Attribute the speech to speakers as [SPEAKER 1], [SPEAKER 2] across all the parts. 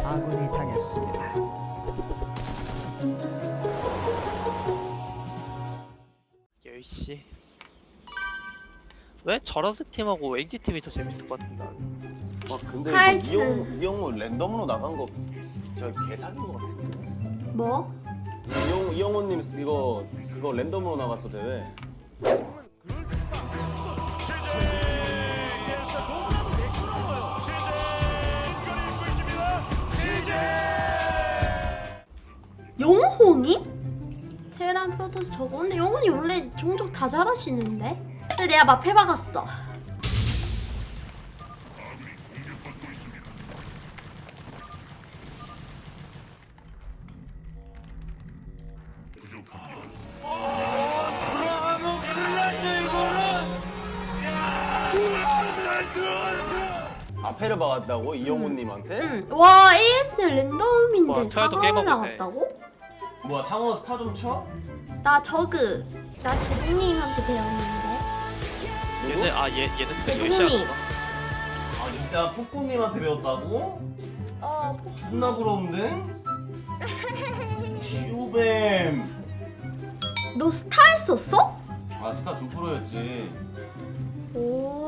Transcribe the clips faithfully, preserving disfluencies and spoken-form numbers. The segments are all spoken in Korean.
[SPEAKER 1] 아군이 당했습니다.
[SPEAKER 2] 열 시. 왜 저러스 팀하고 에이지 팀이 더 재밌을 것 같은데.
[SPEAKER 3] 와 근데
[SPEAKER 4] 하이트.
[SPEAKER 3] 이거 이영 이영호 랜덤으로 나간 거 저 개사긴 거 같은데.
[SPEAKER 4] 뭐?
[SPEAKER 3] 이영 이영호님 이거 그거 랜덤으로 나갔어 대회.
[SPEAKER 4] 영호님? 테란 프로토스 저거 근데 영호님 원래 종족 다 잘하시는데? 근데 내가 막 해박았어.
[SPEAKER 3] 앞에를 박았다고 이영호님한테?
[SPEAKER 4] 응. 와 에이에스엘 랜덤인데
[SPEAKER 2] 와, 저희도
[SPEAKER 4] 사과를
[SPEAKER 2] 게임하고
[SPEAKER 4] 나갔다고?
[SPEAKER 5] 뭐야 상어 스타 좀 쳐?
[SPEAKER 4] 나 저그. 나 제동님한테 배웠는데.
[SPEAKER 2] 얘네 아 얘 얘네 또
[SPEAKER 4] 제동님.
[SPEAKER 2] 열 시 하구나.
[SPEAKER 5] 아 진짜 폭군님한테 배웠다고?
[SPEAKER 4] 어.
[SPEAKER 5] 존나 부러운데? 슈뱀.
[SPEAKER 4] 너 스타 했었어?
[SPEAKER 5] 아 스타 주 프로였지.
[SPEAKER 4] 오.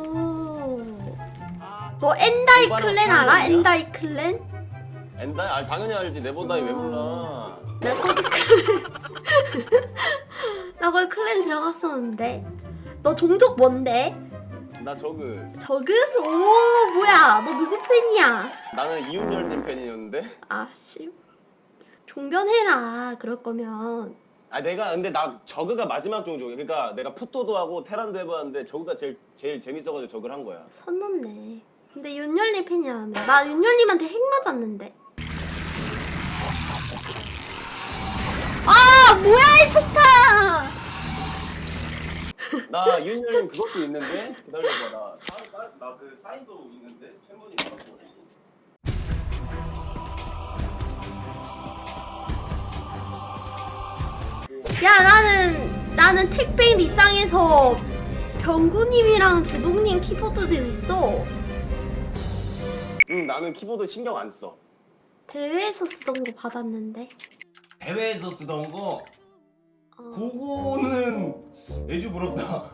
[SPEAKER 4] 너 엔다이
[SPEAKER 3] 오바랑
[SPEAKER 4] 클랜 알아?
[SPEAKER 3] 상관이야?
[SPEAKER 4] 엔다이 클랜?
[SPEAKER 3] 엔다? 아 당연히 알지. 내보다이 왜 몰라?
[SPEAKER 4] 나 거기 클랜. 나 거기 클랜 들어갔었는데. 너 종족 뭔데?
[SPEAKER 3] 나 저그
[SPEAKER 4] 저그? 오 뭐야? 너 누구 팬이야?
[SPEAKER 3] 나는 이윤열님 팬이었는데.
[SPEAKER 4] 아씨. 종변해라. 그럴 거면.
[SPEAKER 3] 아 내가 근데 나 저그가 마지막 종족이야. 그러니까 내가 푸토도 하고 테란도 해봤는데 저그가 제일 제일 재밌어가지고 저그를 한 거야.
[SPEAKER 4] 선 넘네. 근데 윤열님 팬이라며. 나 윤열님한테 핵 맞았는데. 아 뭐야 이 폭탄!
[SPEAKER 3] 나 이윤열님 그것도 있는데 기다려봐. 나 그 사인도 있는데 팬분이 받았고.
[SPEAKER 4] 야 나는 나는 택배 리쌍에서 병구님이랑 제동님 키보드도 있어.
[SPEAKER 3] 응 나는 키보드 신경 안 써.
[SPEAKER 4] 대회에서 쓰던 거 받았는데.
[SPEAKER 5] 대회에서 쓰던 거
[SPEAKER 4] 어.
[SPEAKER 5] 그거는 애주 부럽다.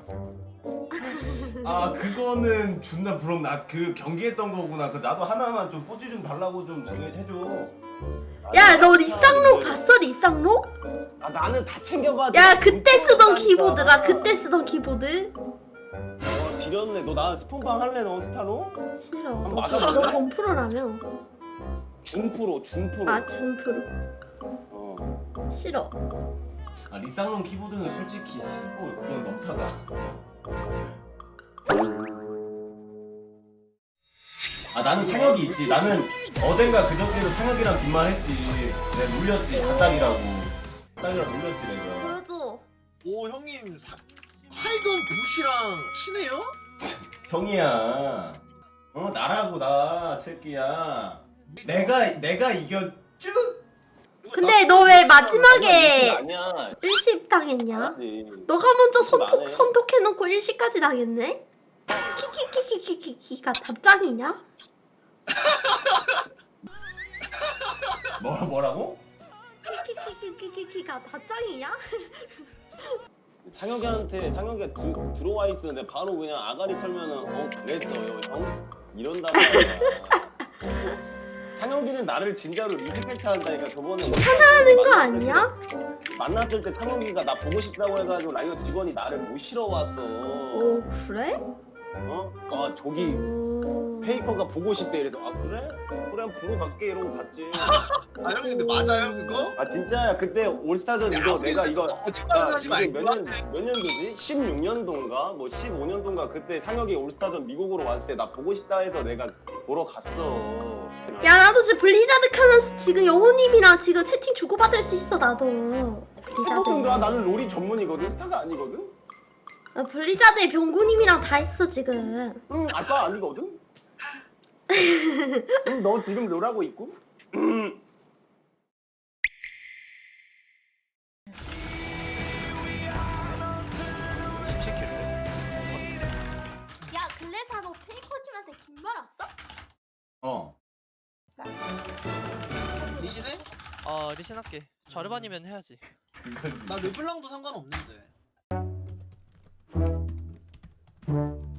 [SPEAKER 5] 아 그거는 존나 부럽다. 아, 그 경기했던 거구나. 그 나도 하나만 좀 뽀지 좀 달라고 좀 저기 해줘.
[SPEAKER 4] 야 너 리쌍록 봤어 리쌍록?
[SPEAKER 3] 아 나는 다 챙겨봐.
[SPEAKER 4] 야 그때 쓰던 키보드가 그때 쓰던 키보드?
[SPEAKER 3] 와 지렸네. 너 나 스폰방 할래 너 스타로?
[SPEAKER 4] 싫어.
[SPEAKER 3] 한번
[SPEAKER 4] 너,
[SPEAKER 3] 맞아볼래?
[SPEAKER 4] 너 전프로라며.
[SPEAKER 3] 준프로 준프로.
[SPEAKER 4] 아 준프로.
[SPEAKER 3] 어.
[SPEAKER 4] 싫어.
[SPEAKER 5] 아 리쌍롱 키보드는 솔직히 십오 그건 넘사다. 아 나는 상혁이 있지. 나는 어젠가 그저께도 상혁이랑 빈말했지. 내가 놀렸지. 닭닭이라고. 닭닭이랑 놀렸지 내가.
[SPEAKER 4] 보여줘.
[SPEAKER 6] 오 형님 사... 하이건 부시랑 친해요?
[SPEAKER 5] 형이야. 어 나라고 나 새끼야. 내가 내가 이겼쭈?
[SPEAKER 4] 근데 너 왜 마지막에
[SPEAKER 3] 아니야.
[SPEAKER 4] 일십 당했냐?
[SPEAKER 3] 아니.
[SPEAKER 4] 너가 먼저
[SPEAKER 3] 안 해.
[SPEAKER 4] 선톡 선톡해놓고 일시까지 당했네? 키키키키키키키가 답장이냐?
[SPEAKER 5] 뭐 뭐라고?
[SPEAKER 4] 키키키키키키가 답장이냐?
[SPEAKER 3] 상혁이한테 상혁이가 드, 들어와 있었는데 바로 그냥 아가리 털면은 어 그랬어요 형 이런단 말이야. 상혁이는 나를 진짜로 리스펙트 한다니까. 저번에
[SPEAKER 4] 하는 거
[SPEAKER 3] 만났을
[SPEAKER 4] 아니야?
[SPEAKER 3] 때- 만났을 때 상혁이가 나 보고 싶다고 해가지고 라이어 직원이 나를 모시러 왔어.
[SPEAKER 4] 오 그래?
[SPEAKER 3] 어? 아 저기
[SPEAKER 4] 오...
[SPEAKER 3] 페이커가 보고 싶대. 이래서 아 그래? 그래 보러 갈게 이러고 갔지.
[SPEAKER 6] 아 형님 근데 맞아요 그거?
[SPEAKER 3] 아 진짜야. 그때 올스타전 이거 내가 이거
[SPEAKER 6] 거짓말 하지
[SPEAKER 3] 이게
[SPEAKER 6] 말고
[SPEAKER 3] 몇 년 몇 년도지? 십육 년도인가? 뭐 십오 년도인가? 그때 상혁이 올스타전 미국으로 왔을 때 나 보고 싶다 해서 내가 보러 갔어.
[SPEAKER 4] 야 나도 지금 블리자드 켜면서 지금 영호님이랑 지금 채팅 주고받을 수 있어 나도. 블리자드.
[SPEAKER 3] 그런가? 나는 롤이 전문이거든. 스타가 아니거든.
[SPEAKER 4] 나 블리자드에 병구님이랑 다 있어 지금.
[SPEAKER 3] 응, 아빠 아니거든. 응, 너 지금 롤하고 있고. 음.
[SPEAKER 2] 십칠 킬인데.
[SPEAKER 4] 야 글래사 너 페이커님한테 긴 말 왔어?
[SPEAKER 5] 어.
[SPEAKER 4] 나
[SPEAKER 6] 리시네?
[SPEAKER 2] 아 리신 할게. 자르반이면 해야지.
[SPEAKER 6] 나 르블랑도 상관없는데.